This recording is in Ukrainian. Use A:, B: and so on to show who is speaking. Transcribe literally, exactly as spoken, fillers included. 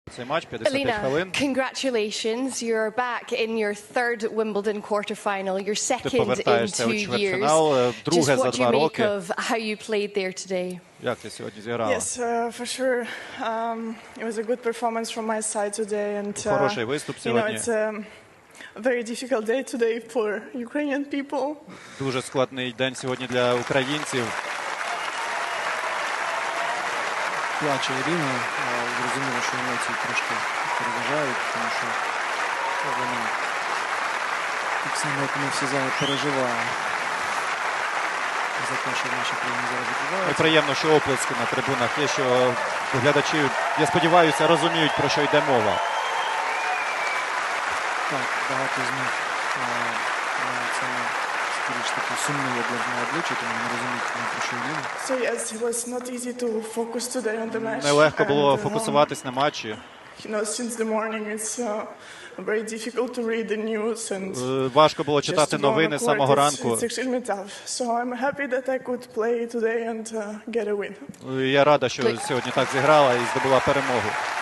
A: Цей матч п'ятдесят хвилин.
B: Congratulations, you're back in your third Wimbledon quarterfinal, your second in two years. Just what do you make of how you played there today?
A: Як ти сьогодні зіграла?
C: Yes, uh, for sure. Um, it was a good performance from my side today, and uh,
A: Хороший виступ
C: you know
A: сьогодні.
C: it's a very difficult day today for Ukrainian people.
A: Дуже складний день сьогодні для українців.
D: Плаче Ірина, зрозуміло, що емоції трошки переважають, тому що вона так само, як ми всі зараз переживає за те, що в нашій країні зараз відбувається.
A: І приємно, що оплески на трибунах є, що глядачі, я сподіваюся, розуміють, про що йде мова.
D: Так, багато з них саме скоріш таки сумні обласні обличчя, тому не розуміють, про що йде.
C: So yes, it was not easy to focus today on the match.
A: Нелегко було
C: and, uh,
A: фокусуватись на матчі.
C: You know, since the morning it's uh, very difficult to read the news and
A: Важко було читати новини з самого ранку.
C: It's extremely tough. So I'm happy that I could play today and uh, get a win.
A: Я рада, що сьогодні так зіграла і здобула перемогу.